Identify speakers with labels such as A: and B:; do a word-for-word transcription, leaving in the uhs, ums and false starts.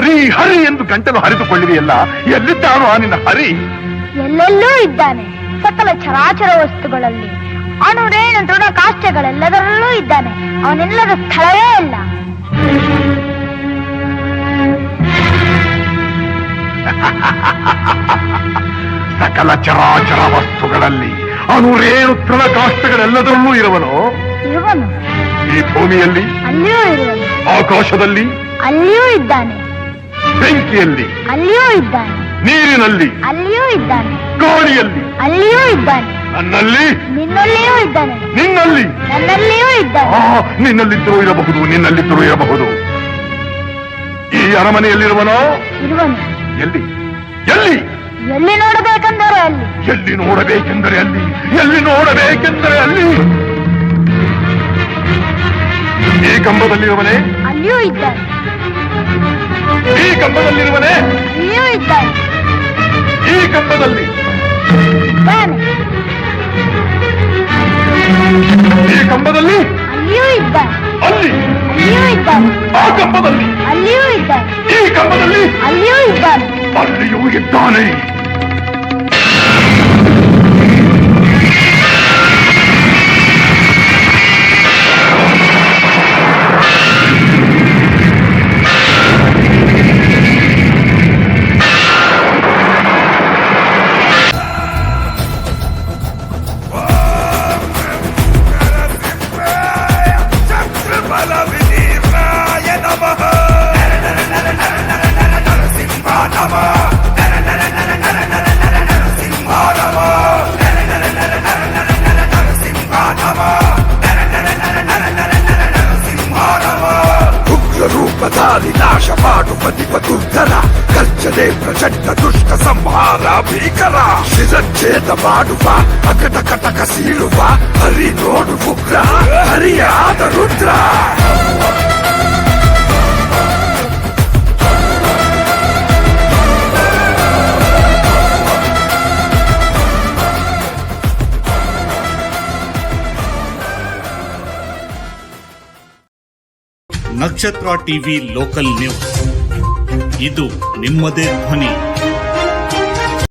A: ಹರಿ ಹರಿ ಎಂದು ಗಂಟಲು ಹರಿದುಕೊಳ್ಳಿದೆಯಲ್ಲ, ಎಲ್ಲಿದ್ದಾನೋ ಆ ನಿನ್ನ ಹರಿ?
B: ಎಲ್ಲೆಲ್ಲೂ ಇದ್ದಾನೆ. ಸಕಲ ಚರಾಚರ ವಸ್ತುಗಳಲ್ಲಿ, ಅಣುರೇಣ ದೃಢ ಕಾಷ್ಟಗಳೆಲ್ಲದರಲ್ಲೂ ಇದ್ದಾನೆ. ಅವನೆಲ್ಲದ ಸ್ಥಳವೇ ಇಲ್ಲ.
A: ಸಕಲ ಚರಾಚರ ವಸ್ತುಗಳಲ್ಲಿ, ಅಣುರೇಣು ತೃಣ ಕಾಷ್ಟಗಳೆಲ್ಲದರಲ್ಲೂ ಇರುವನು.
B: ಇರುವನು.
A: ಈ ಭೂಮಿಯಲ್ಲಿ,
B: ಅಲ್ಲಿಯೂ ಇರುವನು.
A: ಆಕಾಶದಲ್ಲಿ,
B: ಅಲ್ಲಿಯೂ ಇದ್ದಾನೆ.
A: ಬೆಂಕಿಯಲ್ಲಿ,
B: ಅಲ್ಲಿಯೂ ಇದ್ದಾನೆ.
A: ನೀರಿನಲ್ಲಿ,
B: ಅಲ್ಲಿಯೂ ಇದ್ದಾನೆ.
A: ಗಾಳಿಯಲ್ಲಿ,
B: ಅಲ್ಲಿಯೂ ಇದ್ದಾನೆ.
A: ನನ್ನಲ್ಲಿ,
B: ನಿನ್ನಲ್ಲಿಯೂ ಇದ್ದಾನೆ.
A: ನಿನ್ನಲ್ಲಿ,
B: ನನ್ನಲ್ಲಿಯೂ ಇದ್ದಾನೆ.
A: ಆ ನಿನ್ನಲ್ಲಿದ್ದರೂ ಇರಬಹುದು, ನಿನ್ನಲ್ಲಿದ್ದರೂ ಇರಬಹುದು. ಈ ಅರಮನೆಯಲ್ಲಿರುವನೋ?
B: ಇರುವನು.
A: ಎಲ್ಲಿ ಎಲ್ಲಿ
B: ಎಲ್ಲಿ ನೋಡಬೇಕೆಂದರೆ ಅಲ್ಲಿ.
A: ಎಲ್ಲಿ ನೋಡಬೇಕೆಂದರೆ ಅಲ್ಲಿ, ಎಲ್ಲಿ ನೋಡಬೇಕೆಂದರೆ ಅಲ್ಲಿ. ಈ ಕಂಬದಲ್ಲಿರುವನೇ?
B: ಅಲ್ಲಿಯೂ ಇದ್ದಾನೆ.
A: ಈ ಕಂಬದಲ್ಲಿರುವನೇ?
B: ಅಲ್ಲಿಯೂ ಇದ್ದಾನೆ.
A: ಈ ಕಂಬದಲ್ಲಿ
B: ಇದ್ದಾನೆ.
A: ಈ ಕಂಬದಲ್ಲಿ?
B: ಅಲ್ಲಿಯೂ ಇದ್ದಾನೆ.
A: ಅಲ್ಲಿ?
B: ಅಲ್ಲಿಯೂ ಇದ್ದಾನೆ.
A: ಆ ಕಂಬದಲ್ಲಿ?
B: ಅಲ್ಲಿಯೂ ಇದ್ದಾನೆ.
A: ಈ ಕಂಬದಲ್ಲಿ?
B: ಅಲ್ಲಿಯೂ ಇದ್ದಾನೆ.
A: ಅಲ್ಲಿಯೂ ಇದ್ದಾನೆ.
C: ನಾಶ ಮಾಡುವ ನಿಪದುರ್ಧರ ಗರ್ಜನೆ ಪ್ರಚಂಡ ದುಷ್ಟ ಸಂಹಾರ ಭೀಕರ ಶಿರಚ್ಛೇದ ಮಾಡುವ ಅಕಟ ಕಟಕ ಸೀಳುವ ಹರಿ ನೋಡು ಉಗ್ರ ಹರಿಯಾದ ರುದ್ರ.
D: ನಕ್ಷತ್ರ ಟಿವಿ ಲೋಕಲ್ ನ್ಯೂಸ್, ಇದು ನಿಮ್ಮದೇ ಧ್ವನಿ.